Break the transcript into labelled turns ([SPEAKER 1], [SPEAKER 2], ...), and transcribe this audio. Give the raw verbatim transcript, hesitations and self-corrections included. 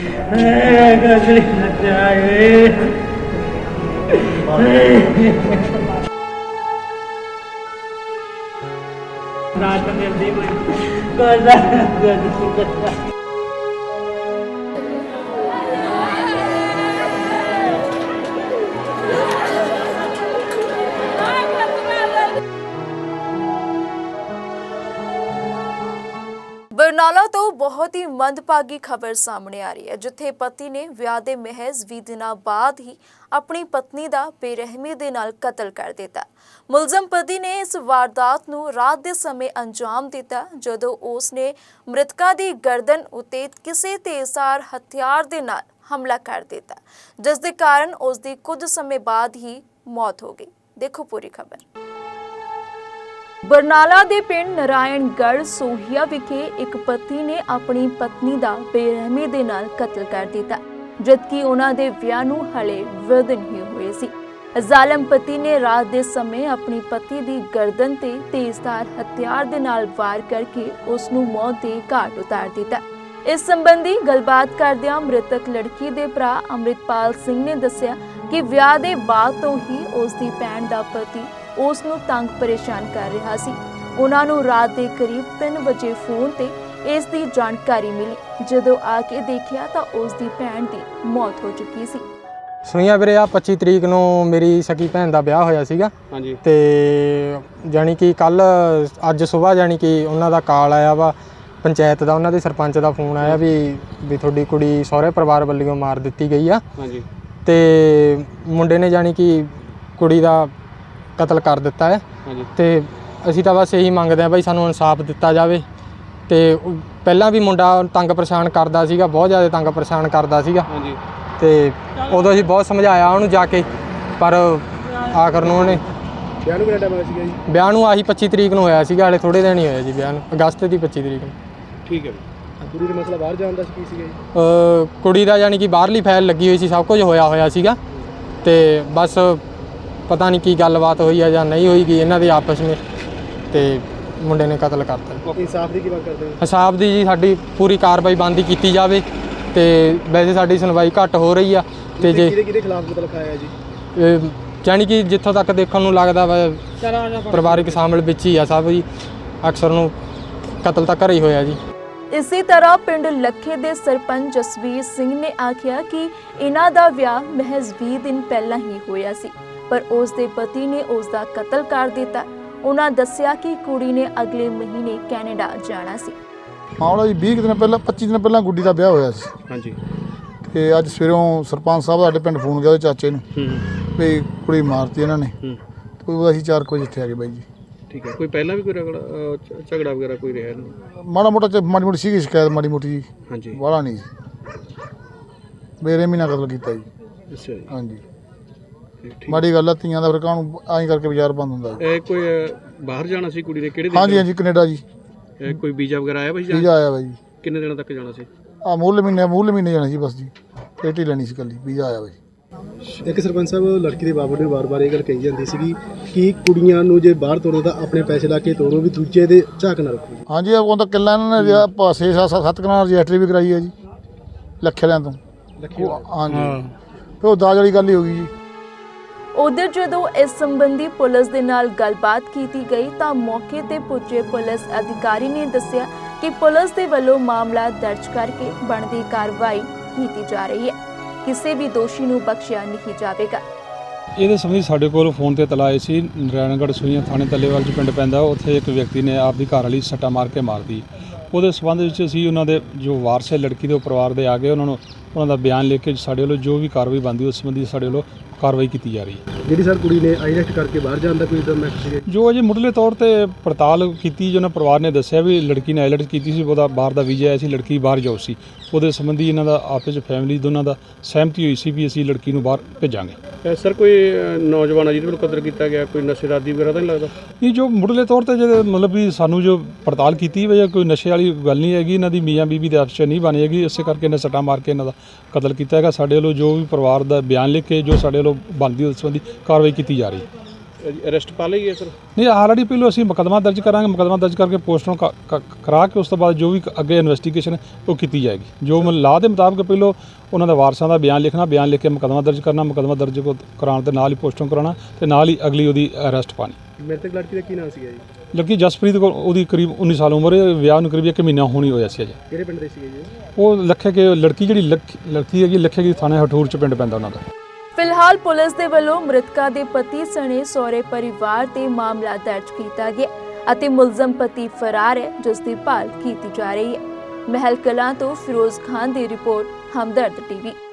[SPEAKER 1] रात मिलती कोई
[SPEAKER 2] ਬਰਨਾਲਾ ਤੋਂ ਬਹੁਤ ਹੀ ਮੰਦਭਾਗੀ ਖਬਰ ਸਾਹਮਣੇ ਆ ਰਹੀ ਹੈ, ਜਿੱਥੇ ਪਤੀ ਨੇ ਵਿਆਹ ਦੇ ਮਹਿਜ਼ ਵੀਹ ਦਿਨਾਂ ਬਾਅਦ ਹੀ ਆਪਣੀ ਪਤਨੀ ਦਾ ਬੇਰਹਿਮੀ ਦੇ ਨਾਲ ਕਤਲ ਕਰ ਦਿੱਤਾ। ਮੁਲਜ਼ਮ ਪਤੀ ਨੇ ਇਸ ਵਾਰਦਾਤ ਨੂੰ ਰਾਤ ਦੇ ਸਮੇਂ ਅੰਜਾਮ ਦਿੱਤਾ, ਜਦੋਂ ਉਸ ਨੇ ਮ੍ਰਿਤਕਾ ਦੀ ਗਰਦਨ ਉੱਤੇ ਕਿਸੇ ਤੇਜ਼ਧਾਰ ਹਥਿਆਰ ਦੇ ਨਾਲ ਹਮਲਾ ਕਰ ਦਿੱਤਾ, ਜਿਸ ਦੇ ਕਾਰਨ ਉਸ ਦੀ ਕੁਝ ਸਮੇਂ ਬਾਅਦ ਹੀ ਮੌਤ ਹੋ ਗਈ। ਦੇਖੋ ਪੂਰੀ ਖਬਰ। ਬਰਨਾਲਾ ਦੇ ਪਿੰਡ ਨਾਰਾਇਣਗੜ੍ਹ ਸੋਹੀਆ ਵਿਖੇ ਇੱਕ ਪਤੀ ਨੇ ਆਪਣੀ ਪਤਨੀ ਦਾ ਬੇਰਹਿਮੀ ਦੇ ਨਾਲ ਕਤਲ ਕਰ ਦਿੱਤਾ, ਜਦਕਿ ਉਹਨਾਂ ਦੇ ਵਿਆਹ ਨੂੰ ਹਲੇ ਵੀਹ ਦਿਨ ਹੀ ਹੋਏ ਸੀ। ਜ਼ਾਲਮ ਪਤੀ ਨੇ ਰਾਤ ਦੇ ਸਮੇਂ ਆਪਣੀ ਪਤੀ ਦੀ ਗਰਦਨ ਤੇ ਤੇਜ਼ਧਾਰ ਹਥਿਆਰ ਦੇ ਨਾਲ ਵਾਰ ਕਰਕੇ ਉਸ ਨੂੰ ਮੌਤ ਦੇ ਘਾਟ ਉਤਾਰ ਦਿੱਤਾ। ਇਸ ਸੰਬੰਧੀ ਗੱਲਬਾਤ ਕਰਦਿਆਂ ਮ੍ਰਿਤਕ ਲੜਕੀ ਦੇ ਭਰਾ ਅੰਮ੍ਰਿਤਪਾਲ ਸਿੰਘ ਨੇ ਦੱਸਿਆ ਕਿ ਵਿਆਹ ਦੇ ਬਾਅਦ ਤੋਂ ਹੀ ਉਸ ਦੀ ਭੈਣ ਦਾ ਪਤੀ ਉਸ ਨੂੰ ਤੰਗ ਪਰੇਸ਼ਾਨ ਕਰ ਰਿਹਾ ਸੀ। ਉਹਨਾਂ ਨੂੰ ਰਾਤ ਦੇ ਕਰੀਬ ਤਿੰਨ ਵਜੇ ਫੋਨ ਤੇ ਇਸ ਦੀ ਜਾਣਕਾਰੀ ਮਿਲੀ। ਜਦੋਂ ਆ ਕੇ ਦੇਖਿਆ ਤਾਂ ਉਸ ਦੀ ਭੈਣ ਦੀ ਮੌਤ ਹੋ ਚੁੱਕੀ ਸੀ।
[SPEAKER 3] ਸੁਣਿਆ ਵੀਰੇ ਆ ਪੱਚੀ ਤਰੀਕ ਨੂੰ ਮੇਰੀ ਸਕੀ ਭੈਣ ਦਾ ਵਿਆਹ ਹੋਇਆ ਸੀਗਾ। ਹਾਂਜੀ। ਤੇ ਜਾਨੀ ਕਿ ਕੱਲ ਅੱਜ ਸਵੇਰ ਜਾਨੀ ਕਿ ਉਹਨਾਂ ਦਾ ਕਾਲ ਆਇਆ ਵਾ ਪੰਚਾਇਤ ਦਾ, ਉਹਨਾਂ ਦੇ ਸਰਪੰਚ ਦਾ ਫੋਨ ਆਇਆ ਵੀ ਵੀ ਤੁਹਾਡੀ ਕੁੜੀ ਸਹੁਰੇ ਪਰਿਵਾਰ ਵੱਲੋਂ ਮਾਰ ਦਿੱਤੀ ਗਈ ਆ। ਹਾਂਜੀ। ਤੇ ਮੁੰਡੇ ਨੇ ਜਾਨੀ ਕਿ ਕੁੜੀ ਦਾ ਕਤਲ ਕਰ ਦਿੱਤਾ ਹੈ। ਤੇ ਅਸੀਂ ਤਾਂ ਬਸ ਇਹੀ ਮੰਗਦੇ ਹਾਂ ਬਈ ਸਾਨੂੰ ਇਨਸਾਫ ਦਿੱਤਾ ਜਾਵੇ। ਤੇ ਪਹਿਲਾਂ ਵੀ ਮੁੰਡਾ ਤੰਗ ਪਰੇਸ਼ਾਨ ਕਰਦਾ ਸੀਗਾ, ਬਹੁਤ ਜ਼ਿਆਦਾ ਤੰਗ ਪਰੇਸ਼ਾਨ ਕਰਦਾ ਸੀਗਾ। ਤੇ ਉਦੋਂ ਅਸੀਂ ਬਹੁਤ ਸਮਝਾਇਆ ਉਹਨੂੰ ਜਾ ਕੇ, ਪਰ ਆਖਰ ਨੂੰ ਉਹਨੇ ਵਿਆਹ ਨੂੰ ਕਿਹੜਾ ਟਾਈਮ ਹੋਇਆ ਸੀਗਾ ਜੀ? ਵਿਆਹ ਨੂੰ ਆਹੀ ਪੱਚੀ ਤਰੀਕ ਨੂੰ ਹੋਇਆ ਸੀਗਾ, ਹਾਲੇ ਥੋੜ੍ਹੇ ਦਿਨ ਹੀ ਹੋਇਆ ਜੀ ਵਿਆਹ ਨੂੰ, ਅਗਸਤ ਦੀ ਪੱਚੀ ਤਰੀਕ ਨੂੰ। ਠੀਕ ਹੈ। ਕੁੜੀ ਦਾ ਮਸਲਾ ਬਾਹਰ ਜਾਣ ਦਾ ਕੀ ਸੀਗਾ ਜੀ? ਕੁੜੀ ਦਾ ਯਾਨੀ ਕਿ ਬਾਹਰਲੀ ਫਾਈਲ ਲੱਗੀ ਹੋਈ ਸੀ, ਸਭ ਕੁਝ ਹੋਇਆ ਹੋਇਆ ਸੀਗਾ। ਤੇ ਬਸ ਪਤਾ ਨਹੀਂ ਕੀ ਗੱਲਬਾਤ ਹੋਈ ਆ ਜਾਂ ਨਹੀਂ ਹੋਈ ਗਈ ਇਹਨਾਂ ਦੇ ਆਪਸ ਵਿੱਚ, ਤੇ ਮੁੰਡੇ ਨੇ ਕਤਲ ਕਰਤਾ। ਇਨਸਾਫ ਦੀ ਕੀ ਮੰਗ ਕਰਦੇ ਹੋ? ਇਨਸਾਫ ਦੀ ਜੀ ਸਾਡੀ ਪੂਰੀ ਕਾਰਵਾਈ ਬੰਦੀ ਕੀਤੀ ਜਾਵੇ। ਤੇ ਵੈਸੇ ਸਾਡੀ ਸੁਣਵਾਈ ਘੱਟ ਹੋ ਰਹੀ ਆ। ਤੇ ਜੇ ਕਿਹਦੇ ਕਿਹਦੇ ਖਿਲਾਫ ਕਤਲ ਖਾਇਆ ਜੀ? ਜਾਨੀ ਕਿ ਜਿੱਥੋਂ ਤੱਕ ਦੇਖਣ ਨੂੰ ਲੱਗਦਾ ਵਾ ਪਰਿਵਾਰਿਕ ਸ਼ਾਮਲ ਵਿੱਚ ਹੀ ਆ ਸਭ ਜੀ। ਅਕਸਰ ਨੂੰ ਕਤਲ ਤਾਂ ਘਰੇ ਹੀ ਹੋਇਆ ਜੀ।
[SPEAKER 2] ਇਸੇ ਤਰ੍ਹਾਂ ਪਿੰਡ ਲੱਖੇ ਦੇ ਸਰਪੰਚ ਜਸਵੀਰ ਸਿੰਘ ਨੇ ਆਖਿਆ ਕਿ ਇਹਨਾਂ ਦਾ ਵਿਆਹ ਮਹਿਜ਼ ਵੀਹ ਦਿਨ ਪਹਿਲਾਂ ਹੀ ਹੋਇਆ ਸੀ, ਪਰ ਉਸ ਦੇ ਪਤੀ ਨੇ ਉਸ ਦਾ ਕਤਲ ਕਰ ਦਿੱਤਾ। ਉਹਨਾਂ ਦੱਸਿਆ ਕਿ ਕੁੜੀ ਨੇ ਅਗਲੇ ਮਹੀਨੇ ਕੈਨੇਡਾ ਜਾਣਾ ਸੀ।
[SPEAKER 4] ਮਾਮਲਾ ਜੀ ਵੀਹ ਦਿਨ ਪਹਿਲਾਂ ਪੱਚੀ ਦਿਨ ਪਹਿਲਾਂ ਗੁੱਡੀ ਦਾ ਵਿਆਹ ਹੋਇਆ ਸੀ। ਹਾਂਜੀ। ਤੇ ਅੱਜ ਸਵੇਰੋਂ ਸਰਪੰਚ ਸਾਹਿਬ ਸਾਡੇ ਪਿੰਡ ਫੋਨ ਗਿਆ ਉਹਦੇ ਚਾਚੇ ਨੂੰ ਵੀ ਕੁੜੀ ਮਾਰਤੀ ਇਹਨਾਂ ਨੇ। ਤੇ ਉਹ ਅਸੀਂ ਚਾਰ ਕੁ ਵਜੇ ਇੱਥੇ ਆ ਗਏ ਬਾਈ ਜੀ। ਠੀਕ ਹੈ। ਕੋਈ ਪਹਿਲਾਂ ਵੀ ਕੋਈ ਰਗੜਾ ਝਗੜਾ ਵਗੈਰਾ ਕੋਈ ਰਿਹਾ ਨਹੀਂ? ਮਾੜਾ ਮੋਟਾ ਮਾੜੀ ਮੋਟੀ ਸੀਗੀ ਸ਼ਿਕਾਇਤ, ਮਾੜੀ ਮੋਟੀ ਜੀ। ਹਾਂਜੀ। ਵਾਲਾ ਨਹੀਂ ਸੀ, ਬੇਰਹਿਮੀ ਨਾਲ ਕਤਲ ਕੀਤਾ ਜੀ। ਅੱਛਾ ਜੀ। ਹਾਂਜੀ। ਮਾੜੀ ਗੱਲ ਆ, ਧੀਆਂ ਦਾ ਫਿਰ ਕਾਹਨੂੰ ਐਂ ਕਰਕੇ ਬਾਜ਼ਾਰ ਬੰਦ ਹੁੰਦਾ ਜੀ। ਇਹ ਕੋਈ ਬਾਹਰ ਜਾਣਾ ਸੀ ਕੁੜੀ ਨੇ? ਕਿਹੜੇ? ਹਾਂਜੀ ਹਾਂਜੀ, ਕੈਨੇਡਾ ਜੀ। ਕੋਈ ਵੀਜ਼ਾ ਵਗੈਰਾ ਆਇਆ ਬਾਈ? ਵੀਜ਼ਾ ਆਇਆ ਬਾਈ ਜੀ। ਕਿੰਨੇ ਦਿਨਾਂ ਤੱਕ ਜਾਣਾ ਸੀ? ਆ ਮੂਲ ਮਹੀਨੇ ਮੂਲ ਮਹੀਨੇ ਜਾਣਾ ਸੀ ਬਸ ਜੀ। ਪੇਟੀ ਲੈਣੀ ਸੀ ਇਕੱਲੀ, ਵੀਜ਼ਾ ਆਇਆ ਬਾਈ।
[SPEAKER 5] ਇੱਕ ਸਰਪੰਚ ਸਾਹਿਬ, ਲੜਕੀ ਦੇ ਬਾਬੂ ਨੇ ਵਾਰ-ਵਾਰ ਇਹ ਗੱਲ ਕਹੀ ਜਾਂਦੀ ਸੀਗੀ ਕਿ ਕੁੜੀਆਂ ਨੂੰ ਜੇ ਬਾਹਰ ਤੋਰੋ ਤਾਂ ਆਪਣੇ ਪੈਸੇ ਲਾ ਕੇ ਤੋਰੋ, ਵੀ ਦੂਜੇ ਦੇ ਝਾਕ ਨਾ ਰੱਖੋ।
[SPEAKER 4] ਹਾਂਜੀ, ਉਹ ਤਾਂ ਕਿੱਲਾ ਇਹਨਾਂ ਨੇ ਛੇ ਸੱਤ ਸੱਤ ਕਨਾਲ ਰਜਿਸਟਰੀ ਵੀ ਕਰਾਈ ਹੈ ਜੀ ਲੱਖੇ ਵਾਲਿਆਂ ਤੋਂ। ਹਾਂਜੀ। ਫਿਰ ਉਹ ਦਾਜ ਵਾਲੀ ਗੱਲ ਹੀ ਹੋ ਗਈ ਜੀ।
[SPEAKER 2] ਉਧਰ ਜਦੋਂ ਇਸ ਸੰਬੰਧੀ ਪੁਲਿਸ ਦੇ ਨਾਲ ਗੱਲਬਾਤ ਕੀਤੀ ਗਈ ਤਾਂ ਮੌਕੇ ਤੇ ਪੁੱਜੇ ਪੁਲਿਸ ਅਧਿਕਾਰੀ ਨੇ ਦੱਸਿਆ ਕਿ ਪੁਲਿਸ ਦੇ ਵੱਲੋਂ ਮਾਮਲਾ ਦਰਜ ਕਰਕੇ ਬਣਦੀ ਕਾਰਵਾਈ ਕੀਤੀ ਜਾ ਰਹੀ ਹੈ। ਕਿਸੇ ਵੀ ਦੋਸ਼ੀ ਨੂੰ ਬਖਸ਼ਿਆ ਨਹੀਂ ਜਾਵੇਗਾ।
[SPEAKER 6] ਇਹਦੇ ਸੰਬੰਧੀ ਸਾਡੇ ਕੋਲ ਫੋਨ ਤੇ ਇਤਲਾਹ ਆਈ ਸੀ, ਨਾਰਾਇਣਗੜ੍ਹ ਸੂਈਆਂ ਥਾਣੇ ਤੱਲੇਵਾਲ 'ਚ ਪਿੰਡ ਪੈਂਦਾ, ਉੱਥੇ ਇੱਕ ਵਿਅਕਤੀ ਨੇ ਆਪਦੀ ਘਰ ਵਾਲੀ ਸੱਟਾ ਮਾਰ ਕੇ ਮਾਰਤੀ। ਉਹਦੇ ਸੰਬੰਧ ਵਿੱਚ ਅਸੀਂ ਉਹਨਾਂ ਦੇ ਜੋ ਵਾਰਸ ਹੈ ਲੜਕੀ ਦੇ ਪਰਿਵਾਰ ਦੇ ਆ ਗਏ, ਉਹਨਾਂ ਨੂੰ ਉਹਨਾਂ ਦਾ ਬਿਆਨ ਲੈ ਕੇ ਸਾਡੇ ਵੱਲੋਂ ਜੋ ਵੀ ਕਾਰਵਾਈ ਬਣਦੀ ਉਸ ਸੰਬੰਧੀ ਸਾਡੇ ਵੱਲੋਂ ਕਾਰਵਾਈ ਕੀਤੀ ਜਾ ਰਹੀ ਹੈ।
[SPEAKER 5] ਜਿਹੜੀ ਸਰ ਕੁੜੀ ਨੇ ਆਈਲੈਟ ਕਰਕੇ ਬਾਹਰ ਜਾਣ ਦਾ ਕੋਈ ਮੈਸੇਜ?
[SPEAKER 6] ਜੋ ਅਜੇ ਮੁੱਢਲੇ ਤੌਰ ਤੇ ਪੜਤਾਲ ਕੀਤੀ, ਜੋ ਉਹਨਾਂ ਪਰਿਵਾਰ ਨੇ ਦੱਸਿਆ ਵੀ ਲੜਕੀ ਨੇ ਆਈਲੈਟ ਕੀਤੀ ਸੀ, ਉਹਦਾ ਬਾਹਰ ਦਾ ਵੀਜ਼ਾ ਆਇਆ ਸੀ, ਲੜਕੀ ਬਾਹਰ ਜਾਊ ਸੀ। ਉਹਦੇ ਸੰਬੰਧੀ ਇਹਨਾਂ ਦਾ ਆਪਸ ਵਿੱਚ ਫੈਮਿਲੀ ਦੋਨਾਂ ਦਾ ਸਹਿਮਤੀ ਹੋਈ ਸੀ ਵੀ ਅਸੀਂ ਲੜਕੀ ਨੂੰ ਬਾਹਰ ਭੇਜਾਂਗੇ।
[SPEAKER 5] ਸਰ ਕੋਈ ਨੌਜਵਾਨ ਆ ਜਿਹਦੇ ਵੱਲੋਂ ਕਤਲ ਕੀਤਾ ਗਿਆ, ਕੋਈ ਨਸ਼ੇਰਾਦੀ ਵਗੈਰਾ ਤਾਂ ਨਹੀਂ ਲੱਗਦਾ?
[SPEAKER 6] ਨਹੀਂ, ਜੋ ਮੁੱਢਲੇ ਤੌਰ ਤੇ ਜਿਹੜੇ ਮਤਲਬ ਵੀ ਸਾਨੂੰ ਜੋ ਪੜਤਾਲ ਕੀਤੀ ਵਜ੍ਹਾ ਕੋਈ ਨਸ਼ੇ ਵਾਲੀ ਗੱਲ ਨਹੀਂ ਹੈਗੀ, ਇਹਨਾਂ ਦੀ ਮੀਆਂ ਬੀਬੀ ਦੇ ਆਪਸ 'ਚ ਨਹੀਂ ਬਣੀ ਹੈਗੀ, ਇਸੇ ਕਰਕੇ ਇਹਨਾਂ ਸੱਟਾਂ ਮਾਰ ਕੇ ਇਹਨਾਂ ਦਾ ਕਤਲ ਕੀਤਾ ਹੈਗਾ। ਸਾਡੇ ਵੱਲੋਂ ਜੋ ਵੀ ਪਰਿਵਾਰ ਦਾ ਬਿਆਨ ਲਿਖ ਕੇ ਜੋ ਸਾਡੇ ਵੱਲੋਂ ਬਣਦੀ ਉਸ ਸੰਬੰਧੀ ਕਾਰਵਾਈ ਕੀਤੀ ਜਾ ਰਹੀ ਹੈ।
[SPEAKER 5] ਅਰੈਸਟ ਪਾ ਲਈ ਹੈ ਸਰ?
[SPEAKER 6] ਨਹੀਂ, ਆਲਰੇਡੀ ਪਹਿਲੋਂ ਅਸੀਂ ਮੁਕੱਦਮਾ ਦਰਜ ਕਰਾਂਗੇ, ਮੁਕੱਦਮਾ ਦਰਜ ਕਰਕੇ ਪੋਸਟਮਾਰਟਮ ਕਰਾ ਕੇ ਉਸ ਤੋਂ ਬਾਅਦ ਜੋ ਵੀ ਅੱਗੇ ਇਨਵੈਸਟੀਗੇਸ਼ਨ ਉਹ ਕੀਤੀ ਜਾਏਗੀ। ਜੋ ਲਾਅ ਦੇ ਮੁਤਾਬਕ ਪਹਿਲੋਂ ਉਹਨਾਂ ਦਾ ਵਾਰਸਾਂ ਦਾ ਬਿਆਨ ਲਿਖਣਾ, ਬਿਆਨ ਲਿਖ ਕੇ ਮੁਕੱਦਮਾ ਦਰਜ ਕਰਨਾ, ਮੁਕੱਦਮਾ ਦਰਜ ਕੋ ਕਰਾਉਣ ਦੇ ਨਾਲ ਹੀ ਪੋਸਟਮਾਰਟਮ ਕਰਾਉਣਾ ਤੇ ਨਾਲ ਹੀ ਅਗਲੀ ਉਹਦੀ ਅਰੈਸਟ ਪਾਣੀ।
[SPEAKER 5] ਮ੍ਰਿਤਕ ਲੜਕੀ ਦਾ ਕੀ ਨਾਮ ਸੀਗਾ ਜੀ?
[SPEAKER 6] ਲੜਕੀ ਜਸਪ੍ਰੀਤ ਕੋਲ, ਉਹਦੀ ਕਰੀਬ ਉੱਨੀ ਸਾਲ ਉਮਰ ਹੈ, ਵਿਆਹ ਨੂੰ ਕਰੀਬ ਇੱਕ ਮਹੀਨਾ ਹੋਣੀ ਹੋਇਆ ਸੀ ਅਜੇ।
[SPEAKER 5] ਕਿਹੜੇ ਪਿੰਡ ਦੇ ਸੀਗੇ ਜੀ?
[SPEAKER 6] ਉਹ ਲੱਖੇ ਕੇ ਲੜਕੀ ਜਿਹੜੀ ਲੱਖ- ਲੜਕੀ ਹੈਗੀ ਲੱਖੇ ਕੀ ਥਾਣੇ ਹਠੂਰ ਚ ਪਿੰਡ ਪੈਂਦਾ ਉਹਨਾਂ ਦਾ।
[SPEAKER 2] ਫਿਲਹਾਲ ਪੁਲਿਸ ਦੇ ਵੱਲੋਂ ਮ੍ਰਿਤਕਾ ਦੇ ਪਤੀ ਸਣੇ ਸਹੁਰੇ ਪਰਿਵਾਰ ਤੇ ਮਾਮਲਾ ਦਰਜ ਕੀਤਾ ਗਿਆ ਅਤੇ ਮੁਲਜ਼ਮ ਪਤੀ ਫਰਾਰ ਹੈ, ਜਿਸ ਦੀ ਭਾਲ ਕੀਤੀ ਜਾ ਰਹੀ ਹੈ। ਮਹਿਲ ਕਲਾਂ ਤੋਂ ਫਿਰੋਜ਼ ਖਾਨ ਦੀ ਰਿਪੋਰਟ, ਹਮਦਰਦ ਟੀਵੀ।